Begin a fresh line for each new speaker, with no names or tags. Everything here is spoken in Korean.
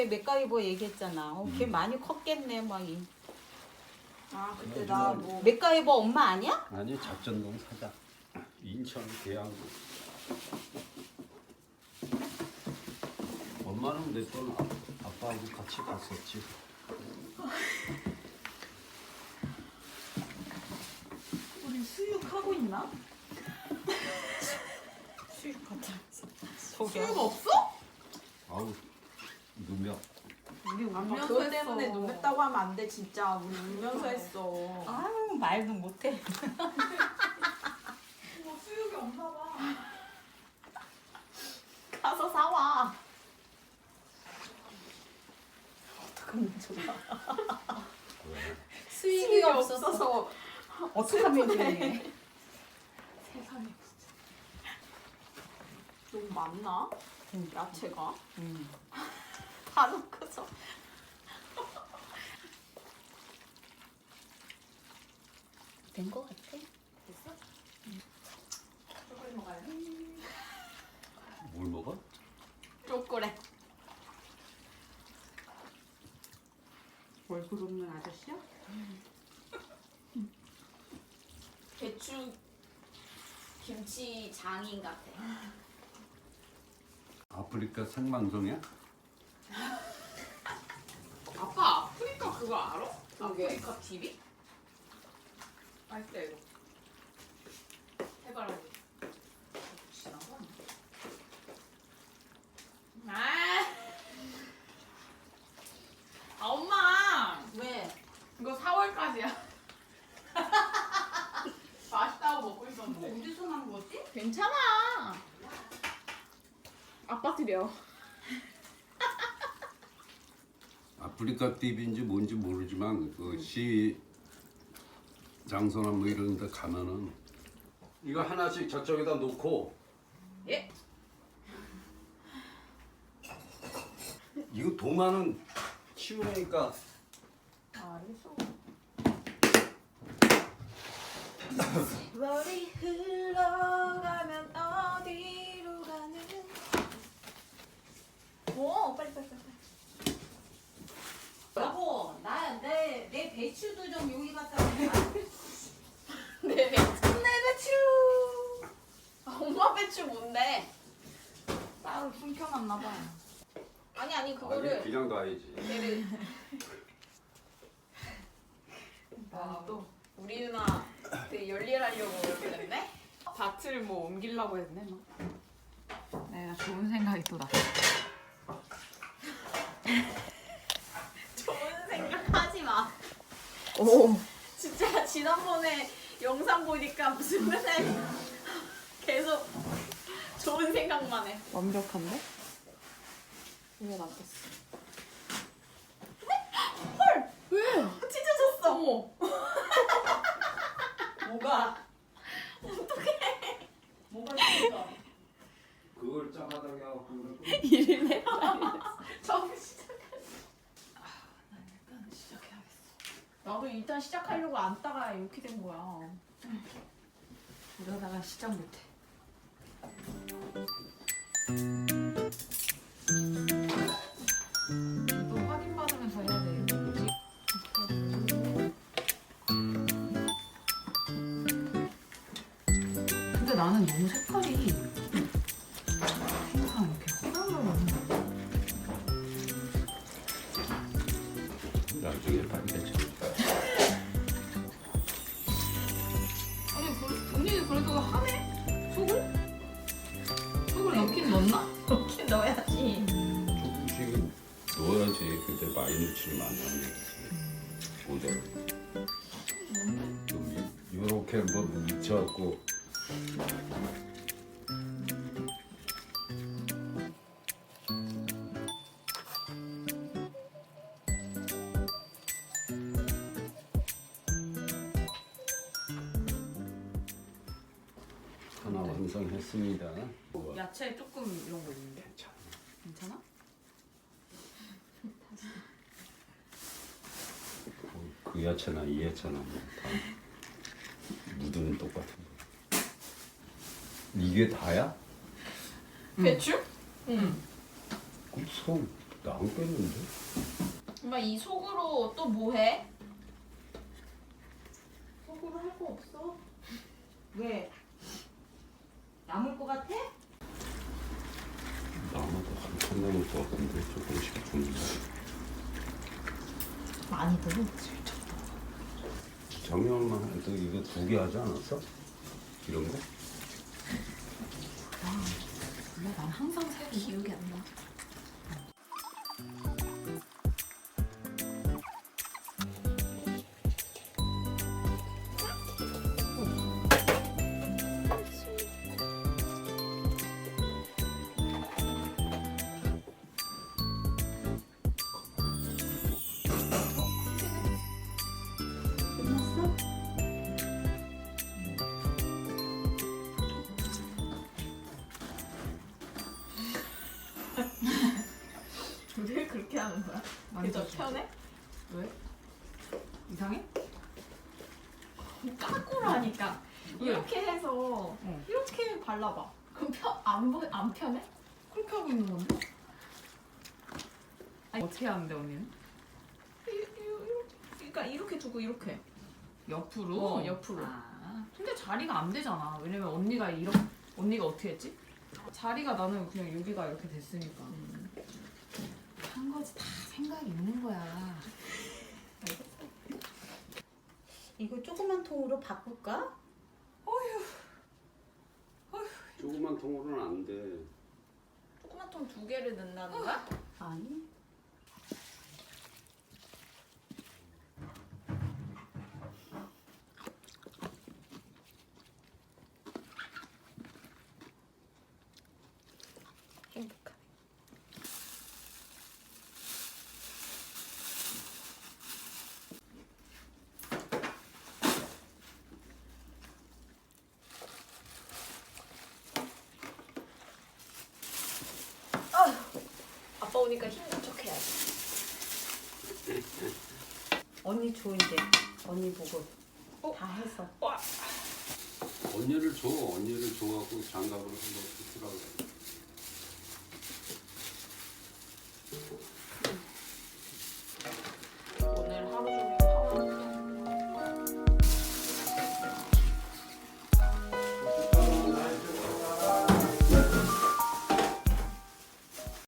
그때 맥가이버 얘기했잖아. 걔 많이 컸겠네 막.
아 그때 나 뭐
맥가이버 엄마 아니야?
아니 작전동 사장 인천 계양구. 엄마는 몇 번 아빠하고 같이 갔었지.
우리 수육하고 있나?
수육하자.
수육 없어?
아우 누명.
우리
아빠
울면서
그것
했어.
때문에 눈 맵다고 하면 안 돼 진짜. 우리 울면서 했어.
아유 말도 못해.
뭐 수육이 없나 봐.
가서 사와. 어떡하면 좋아. 수익이 없어서 어떡하면 좋니?
세상에 진짜. 너무 많나? 야채가?
다 넣고서. 된 거 같아.
됐어? 초콜릿 먹어요?
뭘 먹어?
초콜릿. 얼굴 없는 아저씨야?
배추 김치 장인 같아.
아프리카 생방송이야?
아빠 아프리카 그거 알아?
그게?
아프리카 TV? 맛있다 이거. 해봐라. 지나가. 아 엄마
왜?
이거 4월까지야. 맛있다고 먹고 있었는데.
어디서 난 거지?
괜찮아. 아빠 드려.
아프리카 TV인지 뭔지 모르지만 그 시 장소나 뭐 이런 데 가면은 이거 하나씩 저쪽에다 놓고
예?
이거 도마는 치우니까
알겠어.
세월이 흘러가면 어디로 가는? 오 빨리. 여보, 내 배추도 좀 여기 갖다 놔.
내 배추.
내 배추.
엄마 배추 뭔데?
따로 숨겨놨나 봐. 아니
아니
그거를
그냥 놔야지.
얘를
또 우리 누나 되게 열일하려고 이렇게 됐네? 밭을 뭐 옮기려고 했네 너.
내가 좋은 생각이 또 났어.
좋은 생각하지 마.
오.
진짜 지난번에 영상 보니까 무슨 맨날 계속 좋은 생각만 해.
완벽한데? 왜 놔뒀어?
찢어졌어.
어머.
뭐가? 어떡해. 뭐가 찢어져?
그걸 짜바닥에 하고
일이네.
처음 시작할
일단 시작해야겠어. 나도 일단 시작하려고 앉다가 이렇게 된 거야.
이러다가 시작 못해. 또 확인받으면서 해야 돼. 이거 뭐지? 근데 나는 너무 색깔이 항상 이렇게 흐물흐물.
나중에 빨개져.
아니 언니 그래도 하네? 속을 넣긴 넣나?
넣긴 넣어야지.
조금씩 넣어야지. 근데 많이 넣지는 않는 모델. 좀 이렇게 뭐 묻혀갖고 하나 완성했습니다.
야채 조금 이런 거 있는데.
괜찮아.
괜찮아?
그 야채나 이 야채나 뭐다 무드는 똑같은 거. 이게 다야?
배추?
응.
그럼 손 나 안 뺐는데?
엄마 이 속으로 또 뭐 해? 속으로 할 거 없어?
왜? 남을 것 같아?
나무도 한참 남을 것 같은데 조금씩 줍니다.
많이 들어.
정연만 너 이거 2개 하지 않았어? 이런 거?
몰라, 난 항상 세고.
기억이 안 나.
끝났어?
왜 그렇게 하는 거야? 그게 더 편해?
왜? 이상해?
까꾸로 하니까
왜?
이렇게 해서 이렇게 발라봐. 그럼 안 편해?
그렇게 하고 있는 건데? 아니, 어떻게 하는데 언니는?
그러니까 이렇게 두고 이렇게.
옆으로?
옆으로.
아, 근데 자리가 안 되잖아. 왜냐면 언니가 어떻게 했지? 자리가 나는 그냥 여기가 이렇게 됐으니까. 한 거지, 다 생각이 있는 거야.
이거 조그만 통으로 바꿀까?
조그만 통으로는 안 돼.
조그만 통 2개를 넣는다는 거야?
아니.
행복하네. 아빠 오니까 힘든 척 해야지.
언니 줘 이제. 언니 보고 다 해서.
언니를 줘. 언니를 줘갖고 장갑을